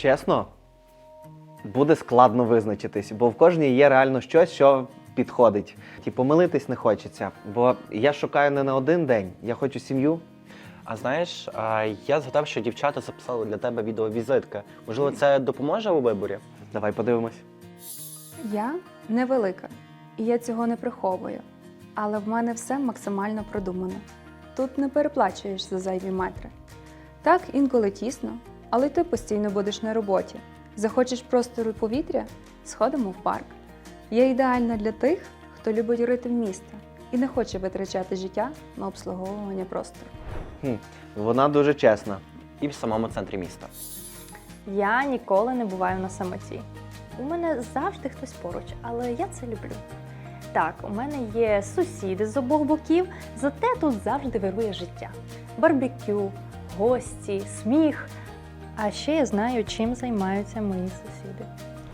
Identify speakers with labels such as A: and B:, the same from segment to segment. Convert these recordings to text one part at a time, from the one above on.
A: Чесно, буде складно визначитись, бо в кожній є реально щось, що підходить. Помилитись не хочеться, бо я шукаю не на один день, я хочу сім'ю.
B: А знаєш, я згадав, що дівчата записали для тебе відеовізитки. Можливо, це допоможе у виборі?
A: Давай подивимось.
C: Я невелика, і я цього не приховую. Але в мене все максимально продумано. Тут не переплачуєш за зайві метри. Так, інколи тісно, але й ти постійно будеш на роботі. Захочеш простору і повітря – сходимо в парк. Я ідеальна для тих, хто любить ритм міста і не хоче витрачати життя на обслуговування простору.
A: Вона дуже чесна.
B: І в самому центрі міста.
D: Я ніколи не буваю на самоті. У мене завжди хтось поруч, але я це люблю. Так, у мене є сусіди з обох боків, зате тут завжди вирує життя. Барбекю, гості, сміх. А ще я знаю, чим займаються мої сусіди.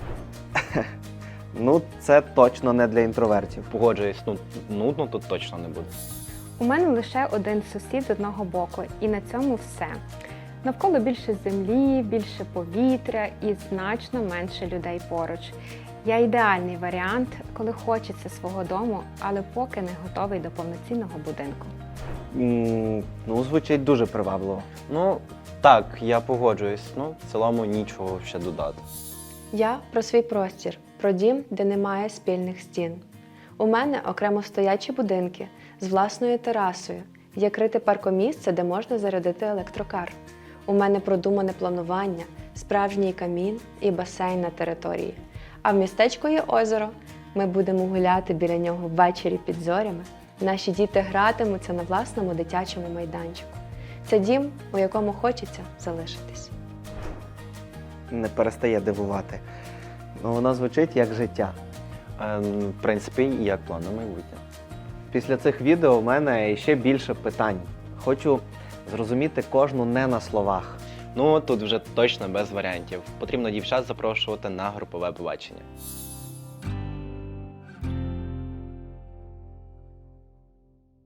A: Ну, це точно не для інтровертів.
B: Погоджуюсь, нудно тут точно не буде.
E: У мене лише один сусід з одного боку, і на цьому все. Навколо більше землі, більше повітря і значно менше людей поруч. Я ідеальний варіант, коли хочеться свого дому, але поки не готовий до повноцінного будинку.
A: Ну, звучить дуже привабливо.
B: Ну, так, я погоджуюсь. В цілому нічого ще додати.
F: Я про свій простір, про дім, де немає спільних стін. У мене окремо стоячі будинки з власною терасою, є крите паркомісце, де можна зарядити електрокар. У мене продумане планування, справжній камін і басейн на території. А в містечку є озеро. Ми будемо гуляти біля нього ввечері під зорями. Наші діти гратимуться на власному дитячому майданчику. Це дім, у якому хочеться залишитись.
A: Не перестає дивувати. Ну, воно звучить як життя.
B: В принципі, і як план на майбутнє.
A: Після цих відео в мене ще більше питань. Хочу зрозуміти кожну не на словах.
B: Тут вже точно без варіантів. Потрібно дівчат запрошувати на групове побачення.